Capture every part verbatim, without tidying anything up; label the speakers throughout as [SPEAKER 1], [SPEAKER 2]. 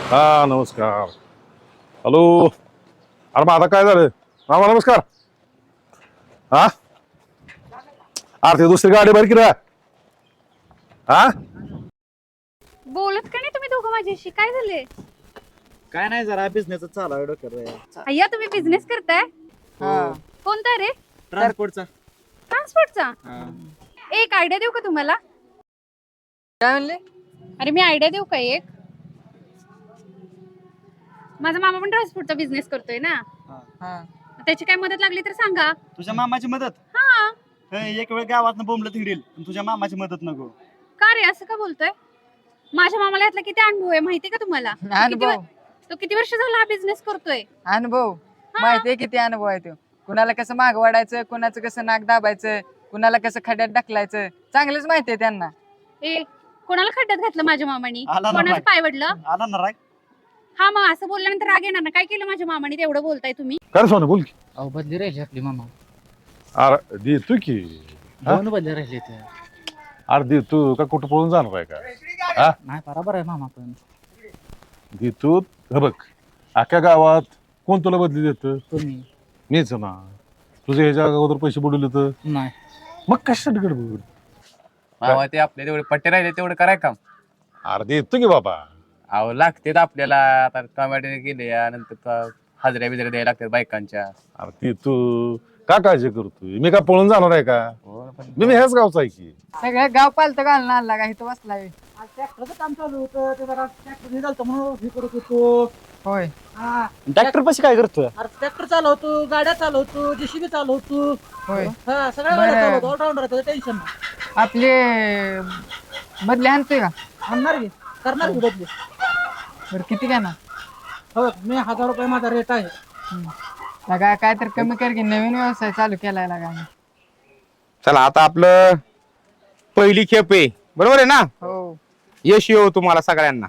[SPEAKER 1] हा नमस्कार. हॅलो. अरे मग आता काय झालं मामा नमस्कार. हा अरे ते दुसरी गाडी बरं की रा. हा
[SPEAKER 2] बोलत का नाही तुम्ही दोघं माझ्याशी? काय झाले?
[SPEAKER 3] काय नाही जरा बिझनेस चालू आहे डोक्यात.
[SPEAKER 2] अय्या तुम्ही बिझनेस करताय?
[SPEAKER 3] हा.
[SPEAKER 2] कोणता रे?
[SPEAKER 3] ट्रान्सपोर्टचा.
[SPEAKER 2] ट्रान्सपोर्टचा. एक आयडिया देऊ का तुम्हाला?
[SPEAKER 4] काय म्हणले?
[SPEAKER 2] अरे मी आयडिया देऊ का एक? माझा मामा पण ट्रान्सपोर्टचा बिझनेस करतोय ना.
[SPEAKER 4] हा.
[SPEAKER 2] त्याची काय मदत लागली तर सांगा.
[SPEAKER 3] तुझ्या मामाची मदत.
[SPEAKER 2] हा.
[SPEAKER 3] हे एक वेळ गावात बोंबलं तिडील पण तुझ्या मामाची मदत नको.
[SPEAKER 2] का रे असं का बोलतोय? माझ्या मामाला यातला किती अनुभव आहे माहिती का तुम्हाला? तो किती
[SPEAKER 4] अनुभव
[SPEAKER 2] वर- तो किती वर्ष झाला हा बिझनेस करतोय?
[SPEAKER 4] अनुभव माहितीये किती अनुभव आहे तो. कुणाला कसं माग वाढायचं, कुणाचं कसं नाक दाबायचं, कुणाला कसं खड्यात ढकलायचं चांगलंच माहितीये त्यांना.
[SPEAKER 2] ए कोणाला खड्ड्यात घातलं माझ्या मामानी?
[SPEAKER 3] आला ना
[SPEAKER 2] कोणाचं
[SPEAKER 3] बाई.
[SPEAKER 2] पाय वडलं?
[SPEAKER 3] आला ना राग.
[SPEAKER 2] हा मग असं बोलल्यानंतर राग येणार ना. काय केलं माझ्या मामाने तेवढं बोलताय तुम्ही?
[SPEAKER 1] काय रे सोनं बोल की.
[SPEAKER 5] अहो बदली राहिली आपली मामा.
[SPEAKER 1] अरे देतो की. हा?
[SPEAKER 5] दोन बदली राहिले ते.
[SPEAKER 1] अरे देतो का कुठं पळून जाणार आहे का? हा
[SPEAKER 5] नाही बरोबर आहे मामा पण.
[SPEAKER 1] देतो. हे बघ अख्ख्या गावात कोण तुला बदली देतं?
[SPEAKER 5] तुम्ही
[SPEAKER 1] मीच ना. तुझे ह्याच्या अगोदर पैसे बुडवले तर
[SPEAKER 5] नाही.
[SPEAKER 1] मग कशासाठी गडबड?
[SPEAKER 6] मामा ते आपले तेवढे पट्टे राहिले तेवढं कराय काम.
[SPEAKER 1] अरे देतो की बाबा.
[SPEAKER 6] अहो लागतेत आपल्याला आता टोमॅटो गेले नंतर हाजऱ्या बिजऱ्या द्यायला लागतात बायकांच्या.
[SPEAKER 1] अरे ते तू का काळजी करतोय? मी का पळून जाणार आहे का?
[SPEAKER 6] हो, पण
[SPEAKER 1] मी मी ह्याच गावचा आहे की.
[SPEAKER 4] सगळं गाव पालतं घालून आणला का इथं बसलाय.
[SPEAKER 7] ट्रॅक्टरचं काम चालू होतं ते जरा ट्रॅक्टर निघालतो म्हणून हे करत होतो.
[SPEAKER 4] होय.
[SPEAKER 7] हा
[SPEAKER 3] ट्रॅक्टर पशी काय करतोय?
[SPEAKER 7] अरे ट्रॅक्टर चालवतो, गाड्या चालवतो, जेसीबी चालवतो.
[SPEAKER 4] होय.
[SPEAKER 7] हा सगळ्या
[SPEAKER 4] बरं.
[SPEAKER 7] गाड्या चालवतो. ऑलराऊंडर आहे टेन्शन नाही.
[SPEAKER 4] आपले बदले आणतोय का?
[SPEAKER 7] आणणार की करणार की बदली.
[SPEAKER 4] बरं किती घेणार?
[SPEAKER 7] हो मी हजार रुपये माझा रेट आहे.
[SPEAKER 4] लगा काय तर कमी कर की, नवीन व्यवसाय चालू केलाय लागा.
[SPEAKER 6] चला आता आपलं पहिली खेप आहे बरोबर आहे ना.
[SPEAKER 4] हो
[SPEAKER 6] यश येऊ तुम्हाला सगळ्यांना.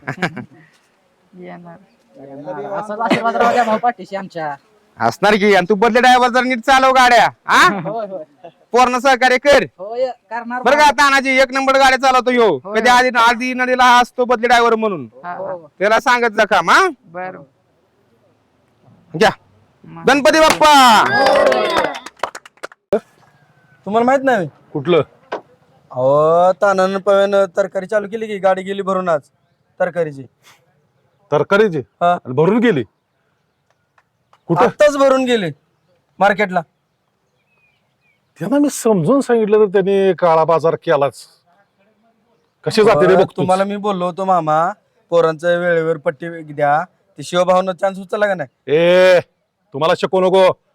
[SPEAKER 4] येणार.
[SPEAKER 7] असाच आशीर्वाद राहू द्या भाऊ पाठीशी आमच्या.
[SPEAKER 6] असणार की. आणि तू बदले ड्रायव्हर जर नीट चालव गाड्या हा
[SPEAKER 7] होय होय
[SPEAKER 6] पूर्ण सहकार्य कर
[SPEAKER 7] होय करणार
[SPEAKER 6] बरं का. तानाजी एक नंबर गाड्या चालवतो यो.
[SPEAKER 4] होय.
[SPEAKER 6] कधी आधी आधी नदीला हा असतो बदले ड्रायव्हर म्हणून
[SPEAKER 4] हा, हा.
[SPEAKER 7] हो.
[SPEAKER 6] त्याला सांगत जा काम हा.
[SPEAKER 4] बरं.
[SPEAKER 6] घ्या गणपती बाप्पा.
[SPEAKER 8] तुम्हाला माहित नाही
[SPEAKER 1] कुठलं?
[SPEAKER 8] अहो तानानं पव्यानं तरकारी चालू केली की गाडी गेली भरून आज तरकारीची.
[SPEAKER 1] तरकारीचे
[SPEAKER 8] हा.
[SPEAKER 1] आणि भरून गेली कुठं?
[SPEAKER 8] आत्ताच भरून गेली मार्केटला.
[SPEAKER 1] त्यांना मी समजून सांगितलं तर त्यांनी काळा बाजार केलाच. कशी जाते रे
[SPEAKER 8] अहो,
[SPEAKER 1] बघ
[SPEAKER 8] तुम्हाला मी बोललो होतो मामा पोरांचं वेळेवर पट्टी द्या. ते शिवभावनं चान्स उचलला का नाही?
[SPEAKER 1] ए तुम्हाला शिकवू नको.